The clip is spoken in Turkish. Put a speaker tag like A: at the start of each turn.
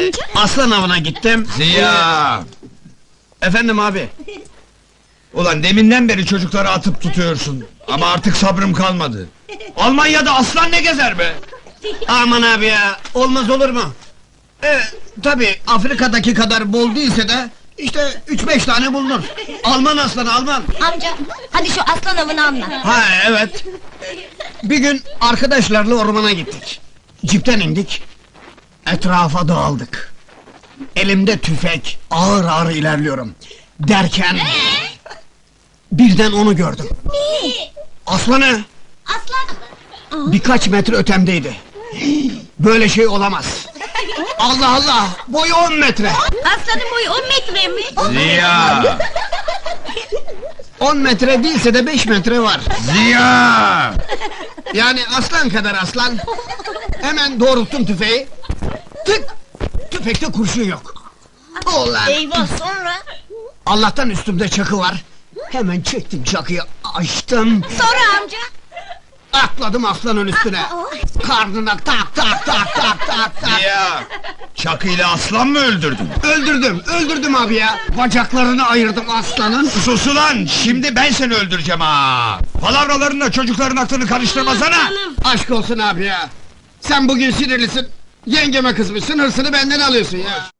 A: amca?
B: Aslan avına gittim.
C: Ziya!
B: Efendim abi.
C: Ulan deminden beri çocukları atıp tutuyorsun. Ama artık sabrım kalmadı. Almanya'da aslan ne gezer be?
B: Aman abi ya, olmaz olur mu? Tabii Afrika'daki kadar bol değilse de işte 3-5 tane bulunur. Alman aslanı, Alman.
A: Amca, hadi şu aslan avını anlat.
B: Ha evet. Bir gün arkadaşlarla ormana gittik. Cipten indik. Etrafa dağıldık. Elimde tüfek, ağır ağır ilerliyorum. Derken birden onu gördüm. Aslanı
A: Aslan!
B: birkaç metre ötemdeydi. Böyle şey olamaz. Allah Allah! Boyu 10 metre!
A: Aslanın boyu 10 metre mi?
C: Ziya!
B: 10 metre değilse de 5 metre var.
C: Ziya!
B: Yani aslan kadar aslan. Hemen doğrulttum tüfeği. Tık! Tüfekte kurşun yok. Ulan!
A: Eyvah, sonra?
B: Allah'tan üstümde çakı var. Hemen çektim çakıyı, açtım.
A: Sonra amca?
B: Atladım aslanın üstüne. Karnına tak tak tak tak tak tak.
C: Ziya! Çakıyla aslan mı öldürdün?
B: Öldürdüm abi ya. Bacaklarını ayırdım aslanın.
C: Sus ulan! Şimdi ben seni öldüreceğim ha! Palavralarınla çocukların aklını karıştırmasana!
B: Aşk olsun abi ya. Sen bugün sinirlisin. Yengeme kızmışsın, hırsını benden alıyorsun ya.